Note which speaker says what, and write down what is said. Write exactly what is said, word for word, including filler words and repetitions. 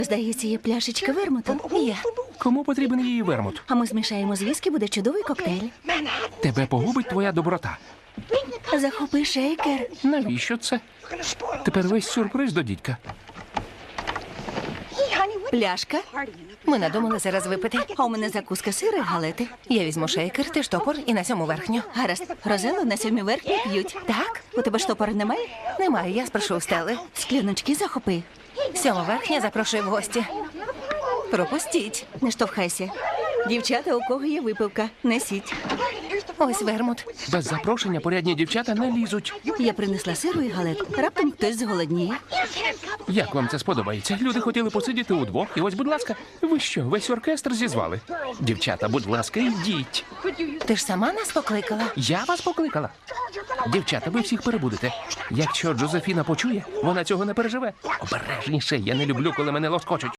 Speaker 1: Здається, є пляшечка вермуту.
Speaker 2: Є.
Speaker 3: Кому потрібен її вермут?
Speaker 1: А ми змішаємо з віскі, буде чудовий коктейль.
Speaker 3: Тебе погубить твоя доброта.
Speaker 1: Захопи шейкер.
Speaker 3: Навіщо це? Тепер весь сюрприз до дідька.
Speaker 1: Пляшка.
Speaker 2: Ми надумали зараз випити.
Speaker 1: А у мене закуска сира і галети.
Speaker 2: Я візьму шейкер, ти штопор і на сьому верхню.
Speaker 1: Гаразд. Розелу на сьомій верхні п'ють.
Speaker 2: Так?
Speaker 1: У тебе штопора немає?
Speaker 2: Немає, я спрошу у Стели.
Speaker 1: Скляночки захопи.
Speaker 2: Сьома верхня запрошую в гості. Пропустіть.
Speaker 1: Не штовхайся. Дівчата, у кого є випивка, несіть.
Speaker 2: Ось вермут.
Speaker 3: Без запрошення порядні дівчата не лізуть.
Speaker 1: Я принесла сиру і галет. Раптом хтось зголодніє.
Speaker 3: Як вам це сподобається? Люди хотіли посидіти удвох, і ось, будь ласка, ви що, весь оркестр зізвали? Дівчата, будь ласка, йдіть.
Speaker 2: Ти ж сама нас покликала?
Speaker 3: Я вас покликала. Дівчата, ви всіх перебудете. Якщо Джозефіна почує, вона цього не переживе. Обережніше, я не люблю, коли мене лоскочуть.